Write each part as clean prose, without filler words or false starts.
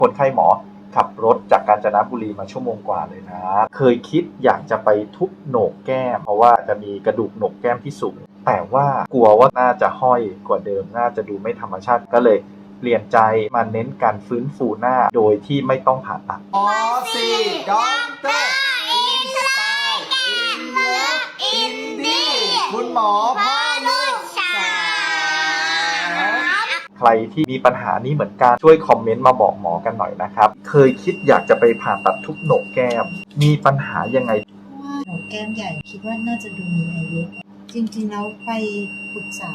คนไข้หมอขับรถจากกาญจนบุรีมาชั่วโมงกว่าเลยนะเคยคิดอยากจะไปทุบโหนกแก้มเพราะว่าจะมีกระดูกโหนกแก้มที่สูงแต่ว่ากลัวว่าน่าจะห้อยกว่าเดิมน่าจะดูไม่ธรรมชาติก็เลยเปลี่ยนใจมาเน้นการฟื้นฟูหน้าโดยที่ไม่ต้องผ่าตัดหมอสีด็อกเตอร์อินสไตล์อินเลิฟอินดี้คุณหมอพ่อลูกสาวใครที่มีปัญหานี้เหมือนกันช่วยคอมเมนต์มาบอกหมอกันหน่อยนะครับเคยคิดอยากจะไปผ่าตัดทุบโหนกแก้มมีปัญหายังไงว่าโหนกแก้มใหญ่คิดว่าน่าจะดูมีอายุจริงๆแล้วไปปรึกษา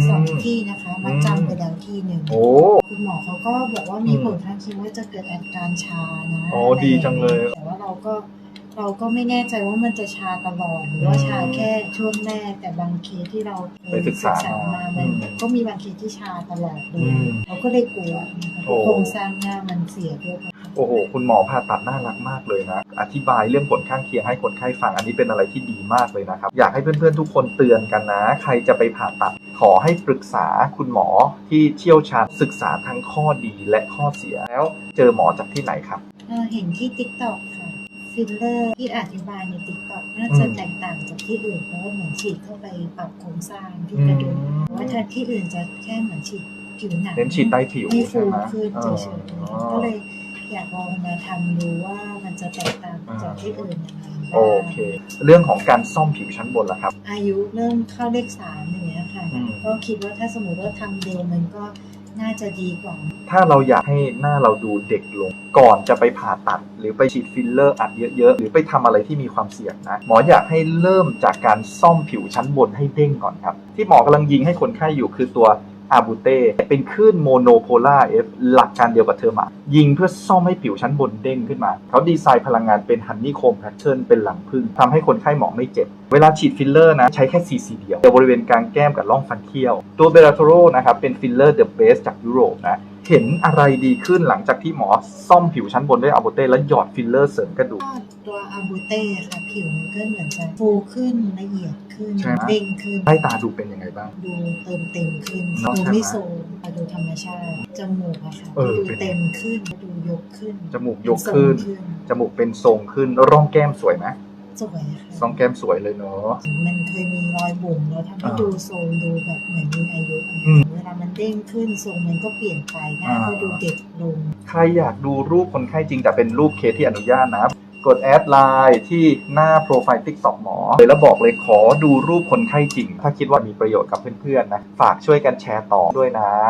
2 ที่นะคะมาจำไปแล้วที่หนึ่งคุณหมอเขาก็บอกว่ามีผลข้างเคียงว่าจะเกิดอาการชานะโอ้ดีจังเลยแต่ว่าเราก็ไม่แน่ใจว่ามันจะชาตลอดหรือว่าชาแค่ช่วงแรกแต่บางเคสที่เราไปศึกษามามันก็มีบางเคสที่ชาตลอดเลยเราก็เลยกลัวโครงสร้างหน้ามันเสียด้วยโอ้โหคุณหมอผ่าตัดน่ารักมากเลยนะอธิบายเรื่องผลข้างเคียงให้คนไข้ฟังอันนี้เป็นอะไรที่ดีมากเลยนะครับอยากให้เพื่อนๆทุกคนเตือนกันนะใครจะไปผ่าตัดขอให้ปรึกษาคุณหมอที่เชี่ยวชาญศึกษาทั้งข้อดีและข้อเสียแล้วเจอหมอจากที่ไหนครับเห็นที่ TikTok ค่ะฟิลเลอร์ที่อธิบายใน TikTok น่าจะแตกต่างจากที่อื่นเพราะว่าเหมือนฉีดเข้าไปปรับโครงสร้างที่กระดูกว่าถ้าที่อื่นจะแค่เหมือนฉีดผิวหนังเน้นฉีดใต้ผิวให้ฟูขึ้นเฉยๆก็เลยอยากลองมาทำดูว่ามันจะแตกต่างจากที่อื่นยังไงโอเคเรื่องของการซ่อมผิวชั้นบนล่ะครับอายุเริ่มเข้าเลข3อย่างเงี้ยค่ะก็คิดว่าถ้าสมมติว่าทำเร็วมันก็น่าจะดีกว่าถ้าเราอยากให้หน้าเราดูเด็กลงก่อนจะไปผ่าตัดหรือไปฉีดฟิลเลอร์อัดเยอะๆหรือไปทำอะไรที่มีความเสี่ยงนะหมออยากให้เริ่มจากการซ่อมผิวชั้นบนให้เด้งก่อนครับที่หมอกำลังยิงให้คนไข้อยู่คือตัวอาบูเต้เป็นคลื่นโมโนโพล่าเอฟหลักการเดียวกับเทอร์มายิงเพื่อซ่อมให้ผิวชั้นบนเด้งขึ้นมาเขาดีไซน์พลังงานเป็นฮันนี่โคมแพทเทิร์นเป็นหลังพึ่งทำให้คนไข้หมอไม่เจ็บเวลาฉีดฟิลเลอร์นะใช้แค่ซีเดียวบริเวณกลางแก้มกับร่องฟันเคี้ยวตัวเบลาโทโรนะครับเป็นฟิลเลอร์เดอะเบสจากยุโรปนะเห็นอะไรดีขึ้นหลังจากที่หมอซ่อมผิวชั้นบนด้วยอาบูเต้แล้วหยอดฟิลเลอร์เสริมกระดูกตัวอาบูเต้ค่ะผิวมันก็เหมือนจะฟูขึ้นละเอียดขึ้นเด้งขึ้นใต้ตาดูเป็นยังไงบ้างดูเติมเต็มขึ้นดูไม่โซมดูธรรมชาติจมูกอะค่ะดูเต็มขึ้นดูยกขึ้นจมูกยกขึ้นจมูกเป็นทรงขึ้นร่องแก้มสวยไหมสวยค่ะร่องแก้มสวยเลยเนาะมันเคยมีรอยบุ๋มแล้วทำให้ดูทรงดูแบบเหมือนมีอายุเวลามันเด้งขึ้นทรงมันก็เปลี่ยนไปหน้าก็ดูเด็กลงใครอยากดูรูปคนไข้จริงแต่เป็นรูปเคสที่อนุญาตนะกดแอดไลน์ที่หน้าโปรไฟล์ TikTok หมอเลยแล้วบอกเลยขอดูรูปคนไข้จริงถ้าคิดว่ามีประโยชน์กับเพื่อนๆนะฝากช่วยกันแชร์ต่อด้วยนะ